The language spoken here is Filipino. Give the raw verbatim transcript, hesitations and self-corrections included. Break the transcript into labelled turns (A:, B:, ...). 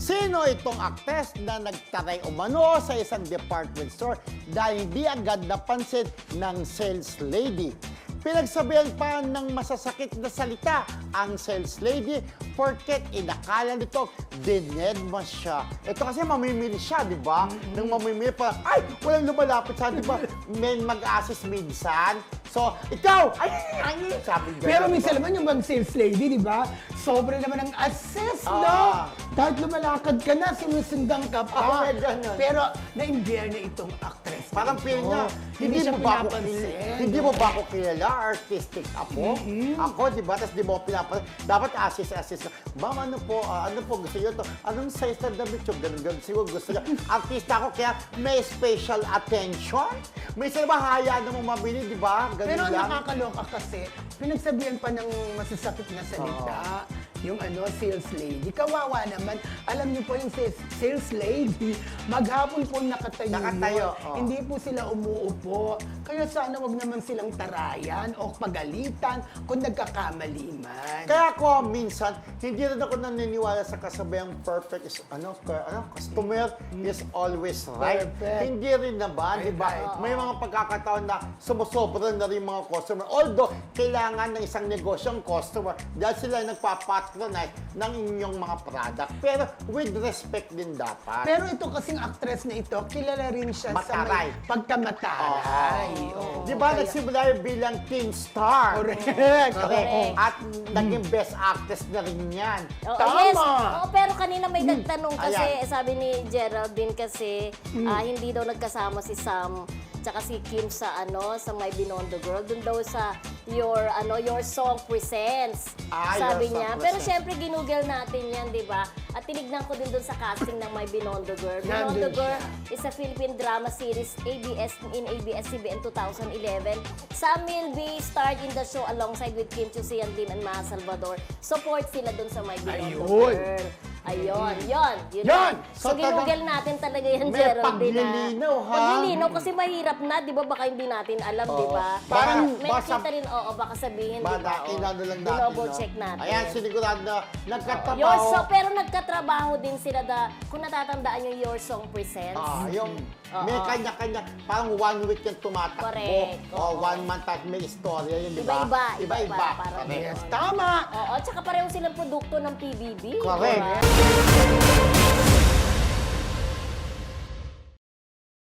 A: Sino itong aktres na nagtaray umano sa isang department store dahil hindi agad napansin ng sales lady? Pinagsabihan pa ng masasakit na salita ang sales lady porket inakala nito dinedma siya. Ito kasi mamimili siya, di ba? Mm-hmm. Nang mamimili pa, ay, walang lumalapit sa, di ba? Men mag-assist minsan. So, ikaw, ay, ay, ay, sabi niya.
B: Pero minsan naman yung mag-sales lady, di ba? Sobra naman ang assist,
A: Ah.
B: no? Kahit lumalakad ka na, sinusundan ka pa.
A: Ah, may ganun.
B: Pero na-imbier na itong actress.
A: Parang
B: na
A: feel
B: ito.
A: niya, hindi,
B: siya
A: mo ba ako
B: pinapansin.
A: kilala? Hindi mo ba ako kilala? Artistic ako?
B: Mm-hmm.
A: Ako, di ba? Tapos di mo ako pinapansin. Dapat assist-assist ka. Ma'am, ano po, ah, ano po gusto niyo to? Anong size na damit yung ganun, ganun. Siguro gusto niya. Artista ako, kaya may special attention. May isa ba haya na mo mabili, di ba? Ganun
B: Pero ang
A: lang.
B: nakakaloka kasi, pinagsabihan pa ng masasakit na salita, yung ano, sales lady. Kawawa naman. Alam niyo po yung sales, sales lady, maghapon po nakatayo,
A: Nakatayo,
B: yun.
A: oh.
B: Hindi po sila umuupo. Kaya sana wag naman silang tarayan o pagalitan kung nagkakamali man.
A: Kaya ako, minsan, hindi rin ako naniniwala sa kasabihang perfect is, ano, ka- ano customer is always right.
B: Perfect.
A: Hindi rin naman, di ba?
B: Right.
A: May mga pagkakataon na sumusobra na rin mga customer. Although, kailangan ng isang negosyo ang customer dahil sila nagpapatronize ng inyong mga product. Pero with respect din dapat.
B: Pero ito kasing actress na ito, kilala rin siya
A: Mataray.
B: sa may pagkamataray. Oo.
A: Di ba,
B: Kaya-
A: nagsimula yung bilang teen star?
B: Correct.
A: Correct.
C: Correct.
A: At naging best actress na rin yan.
C: Oo,
B: Tama!
C: Yes. Oo, pero kanina may nagtanong kasi,
A: Ayan.
C: sabi ni Geraldine kasi, ah, hindi daw nagkasama si Sam tsaka si Kim sa ano sa My Binondo Girl. Doon daw sa your ano your song presents.
A: Ah,
C: sabi
A: Your Song
C: niya. Pero
A: Presents.
C: syempre ginugel natin yan, di ba? At tinignan ko din doon sa casting ng My Binondo Girl. Binondo
B: Nandun
C: Girl
B: siya.
C: is a Philippine drama series A B S in A B S C B N twenty eleven. Sam will be starred in the show alongside with Kim Chiu Sian Lim and Maha Salvador. Support sila doon sa My Binondo
B: Ayun.
C: Girl. Ayun, yon, yun.
A: Yun!
C: So,
A: So,
C: ginugel
A: talagang
C: natin talaga yan,
A: may
C: Geraldine. na-
A: paglilinaw, ha?
C: Paglilinaw, kasi mahirap na, di ba? Baka hindi natin alam, di ba?
A: Parang
C: may
A: basa-
C: nakita rin, oo, baka sabihin, di
A: Ba,
C: ba?
A: na, inano lang natin,
C: Double
A: no?
C: check natin.
A: Ayan, sinigurado na
C: Your
A: nagkatabaho.
C: song, pero nagkatrabaho din sila da, kung natatandaan yung Your Song Presents.
A: Ah, yung
C: Oo.
A: may kanya-kanya, parang one week yung tumatakbo.
C: Correct,
A: O
C: oo.
A: one month at may istorya yun, di ba?
C: Iba-iba,
A: Iba-iba.
C: iba-iba, parang
A: Correct.
B: Yes, tama!
C: Oo, tsaka pareho silang produkto ng P B B. di
A: Correct.
C: ba?